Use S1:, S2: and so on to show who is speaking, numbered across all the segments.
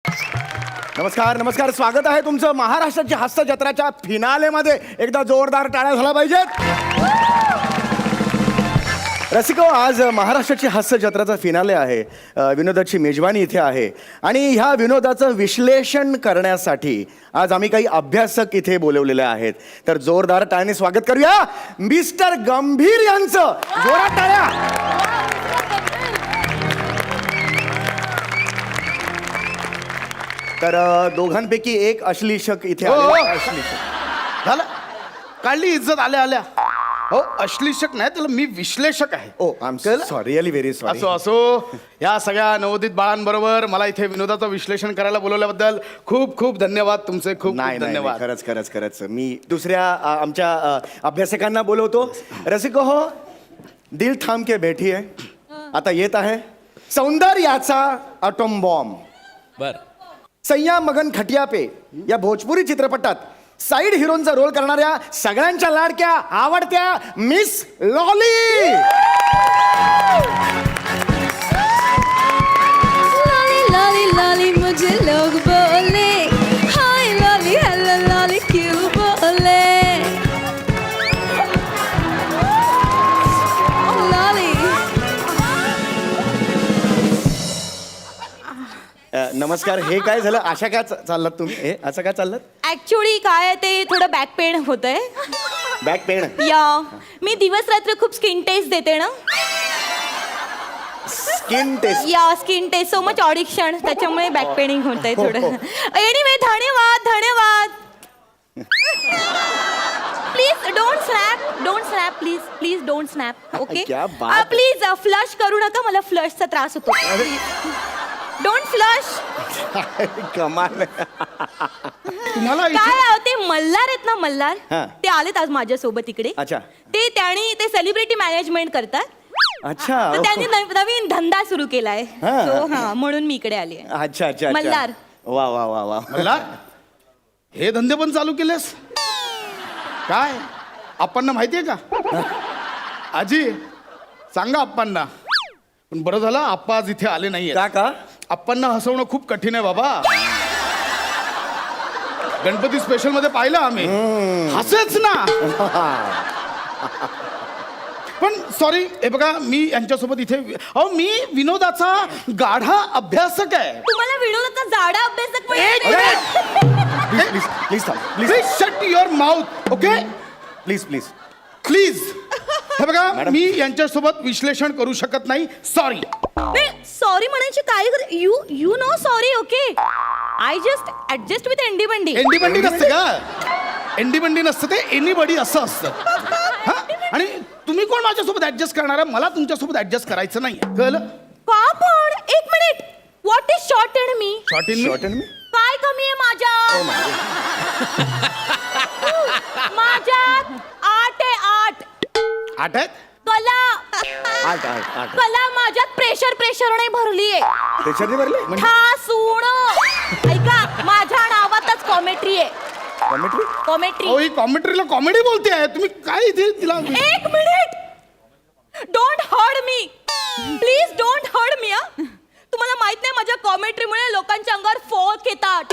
S1: नमस्कार नमस्कार, स्वागत आहे तुमचं महाराष्ट्राची हास्य जत्राच्या फिनालेमध्ये. एकदा जोरदार टाळ्या झाला पाहिजेत. रसिको, आज महाराष्ट्राची हास्य जत्राचा फिनाले आहे. विनोदाची मेजवानी इथे आहे आणि ह्या विनोदाचं विश्लेषण करण्यासाठी आज आम्ही काही अभ्यासक इथे बोलवलेले आहेत. तर जोरदार टाळ्याने स्वागत करूया मिस्टर गंभीर यांचं. जोरात टाळ्या. तर दोघांपैकी एक अश्लीषक इथे आलेला आहे. अश्लीषक
S2: झालं, काढली इज्जत आल्या आल्या. हो, अश्लीषक नाही, त्याला मी विश्लेषक आहे.
S1: Oh I am sorry, really very sorry.
S2: असो असो, या सगळ्या नवोदित बाळांबरोबर मला इथे विनोदाचं विश्लेषण करायला बोलवल्याबद्दल खूप खूप धन्यवाद तुमचे. खूप
S1: नाही
S2: खूप
S1: नाही नाही,
S2: धन्यवाद.
S1: खरंच खरंच खरंच. मी दुसऱ्या आमच्या अभ्यासकांना बोलवतो. रसिको हो, दिल थांब के बैठी है. आता येत आहे सौंदर्याचा अटोम बॉम्ब.
S2: बर,
S1: सय्या मगन खटिया पे या भोजपुरी चित्रपटात साईड हिरोनचा रोल करणाऱ्या सगळ्यांच्या लाडक्या आवडत्या miss Lolly.
S3: Lolly Lolly Lolly मुझे लोग बोले, हाय लॉली हेलो लॉली क्यों बोले. लॉली
S1: नमस्कार. हे काय झालं? अशा काय चाललात तुम्ही? हे असं काय चाललात?
S3: ऍक्च्युली काय आहे ते थोडं बॅक पेन होतंय.
S1: Back pain?
S3: या मी दिवस रात्र खूप स्किन टेस्ट देते ना.
S1: Skin test?
S3: Yeah skin test, so much audition, त्याच्यामुळे बॅक पेनिंग होतंय थोडं. एनिवे, धन्यवाद धन्यवाद. Please don't snap please please don't snap. Okay
S1: क्या बात.
S3: प्लीज फ्लश करू नका, मला फ्लशचा त्रास होतो. Don't flush.
S1: कमाल.
S2: तुम्हाला इथे
S3: काय ते मल्हार आहेत ना, मल्हार,
S1: हा.
S3: ते आलेत आज माझ्यासोबत इकडे.
S1: अच्छा.
S3: ते सेलिब्रिटी मॅनेजमेंट करतात.
S1: अच्छा.
S3: तर त्यांनी नवीन धंदा सुरू केलाय.
S1: हा.
S3: So, हा, म्हणून मी इकडे आली आहे.
S1: अच्छा अच्छा अच्छा.
S3: मल्हार.
S1: वा वा वा वा.
S2: मला हे धंदे पण चालू केलेस काय? आप्पांना माहितीये का? आजी सांगा आप्पांना. पण बरं झालं आप्पा आज इथे आले नाहीये.
S1: का?
S2: आप्पांना हसवणं खूप कठीण आहे बाबा. गणपती स्पेशल मध्ये पाहिलं आम्ही, हसेच ना. पण सॉरी, हे बघा, मी यांच्यासोबत इथे मी विनोदाचा गाढा अभ्यासक आहे.
S3: तुम्हाला विनोदाचा जाडा अभ्यासक
S1: प्लीज प्लीज थांब. Please
S2: please shut your mouth. Okay,
S1: please please.
S2: Please. हे बघा, मी यांच्यासोबत विश्लेषण करू शकत नाही. सॉरी.
S3: सॉरी म्हणायची काय? You know sorry. Okay, I just adjust with एंडी बंडी.
S2: एंडीबंडी नसते का? एंडीबंडी नसतं, ते एनीबडी असं असतं. हा? आणि तुम्ही कोण माझ्यासोबत ऍडजस्ट करणार आहे? मला तुमच्यासोबत ऍडजस्ट करायचं नाही, कळलं?
S3: का पण? एक minute. What is short and me?
S2: Short in
S1: short me.
S3: काय कमी आहे माझ्यात? माझ्यात 8 आहे.
S2: 8 आहेत.
S3: कला
S1: 8.
S3: कला माझ्यात प्रेशर नाही भरलीये.
S1: त्याच्याने भरले
S3: ठासूण. ऐका, माझ्या नावातच कॉमेट्री आहे.
S1: कॉमेंट्री?
S3: कॉमेट्री.
S2: ही कॉमेंट्रीला कॉमेडी बोलते आहे तुम्ही. काय इथे तिला
S3: एक minute. Don't hurt me, please don't hurt me. तुम्हाला माहित नाही, माझ्या कॉमेंट्रीमुळे लोकांच्या अंगावर फोक येतात.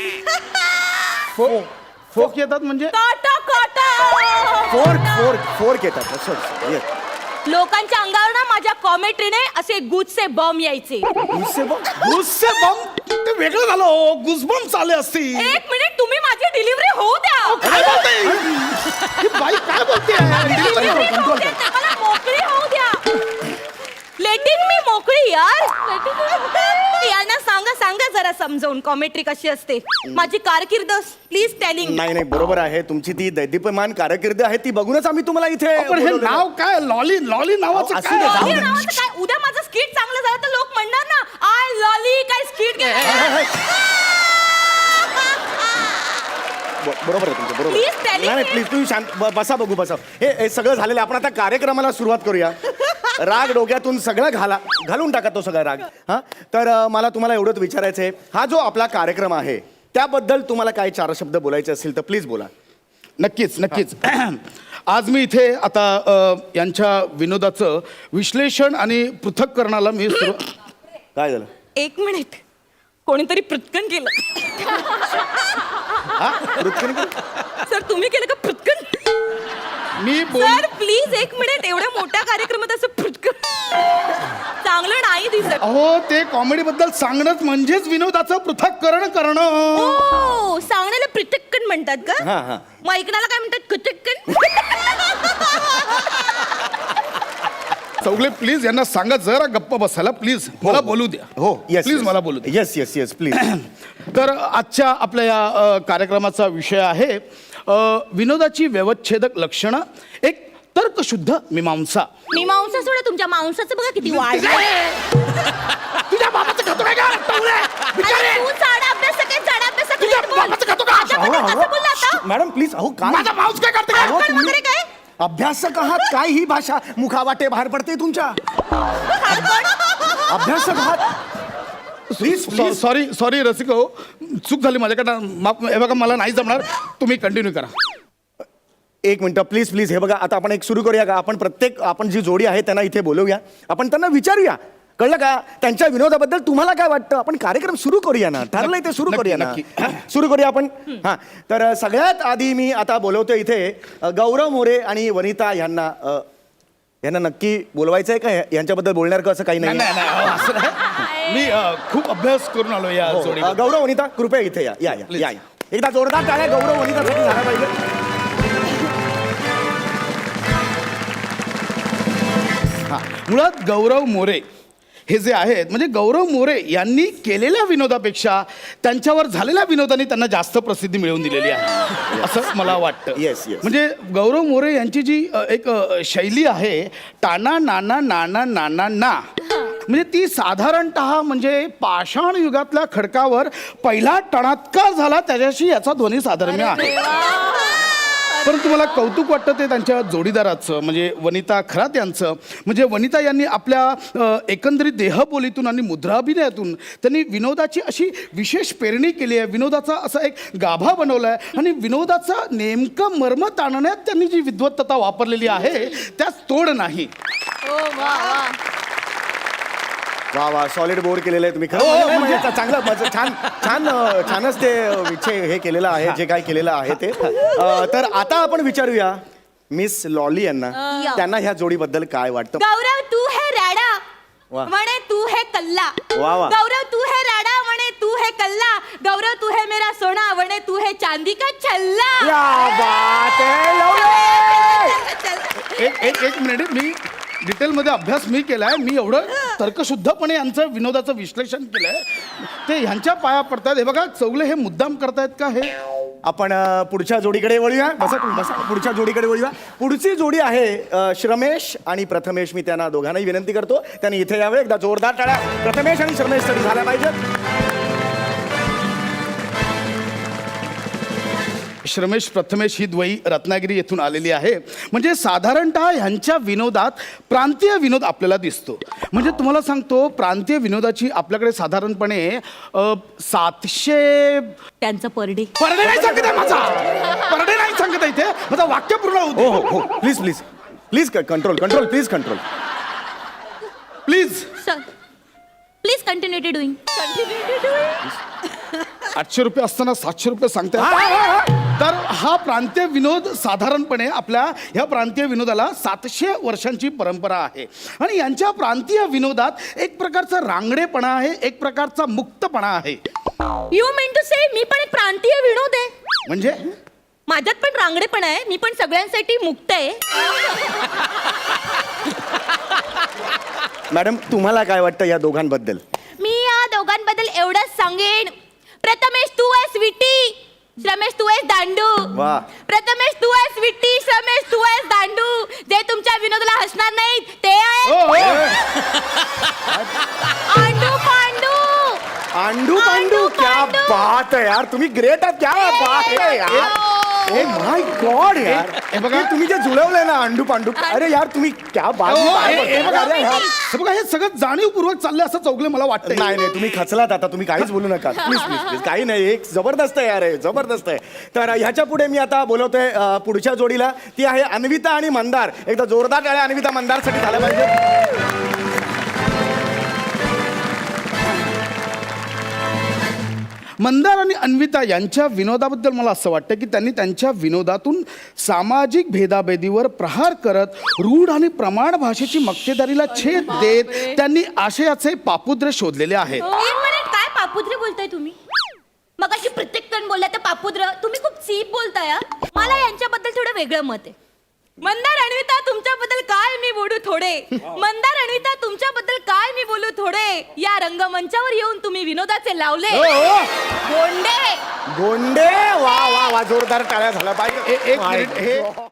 S2: फोक येतात म्हणजे?
S3: काटा काटा.
S1: फोर्क येतात. असं येस.
S3: लोकांच्या अंगावर ना माझ्या कॉमेंट्रीने असे गुजचे बम यायचे.
S2: गुस्से बम ते वेगळं झालं. हो, गुसबम चाले असतील.
S3: एक मिनिट, तुम्ही माझी डिलिव्हरी होऊ द्या.
S2: काय बोलते ही बाई? काय बोलते?
S3: Delivery होऊ द्या, मला मोकळी होऊ द्या. लेटिंग मी मोकळी यार. यांना सांगा जरा समजावून कॉमेंट्री कशी असते. माझी कारकीर्द प्लीज टेलिंग.
S1: नाही नाही, बरोबर आहे. तुमची ती दैदीप्यमान कारकीर्द आहे, ती बघूनच आम्ही तुम्हाला इथे
S2: पण हे
S1: बोलवलेलं.
S2: नाव काय? लॉली लॉली नावाचं
S1: असू दे, जाऊ
S2: काय?
S1: दे.
S3: काय उद्या माझं स्किट चांगलं झालं तर लोक म्हणणार ना, आय लॉली काय स्किट.
S1: बरोबर आहे तुमचं, बरोबर.
S3: Please tell
S1: नाही
S3: me.
S1: प्लीज तुम्ही शांत बसा, बघू बसा. हे सगळं झालेलं आहे. आपण आता कार्यक्रमाला सुरुवात करूया. राग डोक्यातून सगळं घालून टाका तो सगळा राग. हा, तर मला तुम्हाला एवढंच विचारायचं आहे, हा जो आपला कार्यक्रम आहे त्याबद्दल तुम्हाला काय 4 शब्द बोलायचे असतील तर प्लीज बोला.
S2: नक्कीच नक्कीच. आज मी इथे आता यांच्या विनोदाचं विश्लेषण आणि पृथक्करणाला मी
S1: काय झालं?
S3: एक मिनिट. कोणीतरी पृथ्कन केलं. सर तुम्ही केलं का पृथ्कन?
S2: मी बोल
S3: सर प्लीज एक मिनिट, एवढ्या मोठ्या कार्यक्रमात असं पृथ्कन चांगलं नाही दिसत.
S2: अहो ते कॉमेडी बद्दल सांगणंच म्हणजेच विनोदाचं पृथक्करण करणं.
S3: हो, सांगण्याला पृथक्कन म्हणतात का?
S1: हा हा.
S3: मग ऐकण्याला काय म्हणतात? कुचक्कन.
S2: चौगले प्लीज यांना सांगा जरा गप्प बसायला प्लीज. मला बोलू द्या.
S1: हो येस
S2: प्लीज मला बोलू द्या.
S1: Yes yes yes please.
S2: तर आजच्या आपल्या या कार्यक्रमाचा विषय आहे विनोदाची व्यवच्छेदक लक्षणं, एक तर्कशुद्ध मीमांसा.
S3: मी मांसा सोडा, तुमच्या मांसाचं बघा किती वाढ.
S2: तुझ्या बाबाचं खातो काय का?
S3: तू चाडा अभ्यास काय, चाडा अभ्यास
S2: तुझ्या बाबाचं खातो का?
S3: कसं बोलला आता?
S1: Madam please. अहो काय
S2: माझा माऊस काय करते
S1: अहो,
S2: काय?
S1: तुम्ही-
S3: वगैरे काय?
S1: अभ्यासक आहात काय? ही भाषा मुखावाटे बाहेर पडते तुमच्या. अभ्यासक आहात प्लीज प्लीज.
S2: सॉरी रसिक हो, चूक झाली माझ्याकडनं. माफ. हे बघा मला नाही जमणार, तुम्ही कंटिन्यू करा.
S1: एक मिनिट प्लीज प्लीज. हे बघा आता आपण एक सुरू करूया का? आपण जी जोडी आहे त्यांना इथे बोलवूया, आपण त्यांना विचारूया, कळलं का? त्यांच्या विनोदाबद्दल तुम्हाला काय वाटतं? आपण कार्यक्रम सुरू करूया ना, ठरलंय ते सुरू करूया ना.
S2: नक्की.
S1: सुरू करूया आपण. हां, तर सगळ्यात आधी मी आता बोलवतो इथे गौरव मोरे आणि वनिता यांना. यांना नक्की बोलवायचं आहे का? यांच्याबद्दल बोलणार का? असं काही
S2: नाही
S1: नाही.
S2: नाही नाही, असं नाही. मी खूप अभ्यास करून आलो या जोडी.
S1: गौरव वनिता कृपया इथे या या या
S2: Please.
S1: या या. एकदा जोरदार टाळ्या गौरव वनितासाठी झाला पाहिजे.
S2: मुळात गौरव मोरे हे जे आहेत, म्हणजे गौरव मोरे यांनी केलेल्या विनोदापेक्षा त्यांच्यावर झालेल्या विनोदाने त्यांना जास्त प्रसिद्धी मिळवून दिलेली आहे असं मला वाटतं.
S1: Yes, yes.
S2: म्हणजे गौरव मोरे यांची जी एक शैली आहे, टाना नाना नाना नाना ना, म्हणजे ती साधारणतः म्हणजे पाषाण युगातल्या खडकावर पहिला टणात्कार झाला त्याच्याशी याचा ध्वनी साधर्म्य आहे. परंतु मला कौतुक वाटतं ते त्यांच्या जोडीदाराचं, म्हणजे वनिता खरात यांचं. म्हणजे वनिता यांनी आपल्या एकंदरीत देहबोलीतून आणि मुद्राभिनयातून त्यांनी विनोदाची अशी विशेष पेरणी केली आहे, विनोदाचा असा एक गाभा बनवला आहे आणि विनोदाचा नेमकं मर्म ताणण्यात त्यांनी जी विद्वत्तता वापरलेली आहे त्यास तोड नाही.
S1: वा वा, सॉलिड बोर केलेलं आहे तुम्ही. खरं म्हणजे चांगलं छान छान छानच ते विषय हे केलेलं आहे, जे काय केलेलं आहे ते. तर आता आपण विचारूया मिस लॉली यांना, त्यांना ह्या जोडीबद्दल काय वाटतं.
S3: गौरव तू है राडा
S1: वाह.
S3: म्हणे तू है कल्ला.
S1: वाह, वाह.
S3: गौरव तू है राडा म्हणे तू है कल्ला. गौरव तू है मेरा सोना म्हणे तू है चांदी का छल्ला.
S1: क्या बात है लवली.
S2: एक मिनिट, मी डिटेलमध्ये अभ्यास मी केलाय. मी एवढं तर्कशुद्धपणे यांचं विनोदाचं विश्लेषण केलंय, ते ह्यांच्या पाया पडतात. हे बघा चौगले हे मुद्दाम करतायत का हे?
S1: आपण पुढच्या जोडीकडे वळूया. बसा तुम्ही, बसा. पुढच्या जोडीकडे वळूया. पुढची जोडी आहे श्रमेश आणि प्रथमेश. मी त्यांना दोघांनाही विनंती करतो त्यांनी इथे यावे. एकदा जोरदार टाळ्या प्रथमेश आणि श्रमेशसाठी झाल्या पाहिजे.
S2: श्रमेश प्रथमेश ही द्वयी रत्नागिरी येथून आलेली आहे. म्हणजे साधारणतः ह्यांच्या विनोदात प्रांतीय विनोद आपल्याला दिसतो. म्हणजे तुम्हाला सांगतो, प्रांतीय विनोदाची आपल्याकडे साधारणपणे 700
S3: त्यांचं परडे.
S2: परडे नाही सांगत आहे माझा, परडे नाही सांगत आहे इथे, माझा वाक्य पूर्ण होऊ दे.
S1: हो हो हो, please please please control control please control
S2: please.
S3: Sir please continue to doing.
S2: 800 रुपये असताना 700 रुपये सांगताय. तर हा प्रांतीय विनोद साधारणपणे आपल्या ह्या प्रांतीय विनोदाला 700 वर्षांची परंपरा आहे. आणि यांच्या प्रांतीय विनोदात एक प्रकारचा रांगडेपणा आहे, एक प्रकारचा मुक्तपणा आहे.
S3: यू मीन टू से मी पण एक प्रांतीय विनोद आहे.
S2: म्हणजे
S3: माझ्यात पण रांगडेपणा आहे, मी पण सगळ्यांसाठी मुक्त आहे.
S1: मॅडम तुम्हाला काय वाटतं या दोघांबद्दल?
S3: मी या दोघांबद्दल एवढंच सांगेन, प्रथमेश तू आहे स्वीटी, श्रमेश तू आहेस दांडू.
S1: वाह.
S3: प्रथमेश तू आहेस स्वीटी, श्रमेश तू आहेस दांडू. जे तुमच्या विनोदाला हसणार नाहीत ते
S2: ओ,
S3: आहे
S2: ओ.
S3: आंडू पांडू.
S1: आंडू पांडू. क्या
S3: पांडू.
S1: बात है यार, तुम्ही ग्रेट आहात. क्या बात है यार. ओ माय गॉड यार.
S2: हे बघा.
S1: हे तुम्ही जे जुळवलंय ना आंडू पांडू, अरे यार तुम्ही क्या बात.
S2: ओ,
S1: काय
S2: हे
S1: बोलताय?
S2: बघा,
S1: अरे यार.
S2: हे बघा, हे सगळं जाणीवपूर्वक चाललंय असं चौगले मला वाटतं.
S1: नाही नाही, तुम्ही खचलात आता. तुम्ही काहीच बोलू नका प्लीज प्लीज प्लीज. काही नाही, एक जबरदस्त आहे यार, हे जबरदस्त आहे. तर ह्याच्या पुढे मी आता बोलवतोय पुढच्या जोडीला. ती आहे अन्विता आणि मंदार. एकदा जोरदार टाळ्या अन्विता मंदारसाठी झाल्या पाहिजे.
S2: मंदार आणि अन्विता यांच्या विनोदाबद्दल मला असं वाटतं की त्यांनी त्यांच्या विनोदातून सामाजिक भेदाभेदीवर प्रहार करत रूढ आणि प्रमाण भाषेची मक्तेदारीला छेद देत त्यांनी आशयाचे पापुद्र शोधलेले आहेत.
S3: एक मिनिट, काय पापुद्रे बोलताय तुम्ही? मगाशी प्रत्येक जण बोलला तर पापुद्र, तुम्ही खूप चीप बोलताय हा. मला यांच्याबद्दल थोडं वेगळं मत आहे. मंदार अन्विता तुमच्याबद्दल काय मी बोलू थोडे. मंदार अन्विता तुमच्याबद्दल काय मी बोलू थोडे. या रंगमंचावर येऊन तुम्ही विनोदाचे लावले गोंडे.
S1: गोंडे, वा वा वा, जोरदार टाळ्या झाला पाहिजे.
S2: एक मिनिट, हे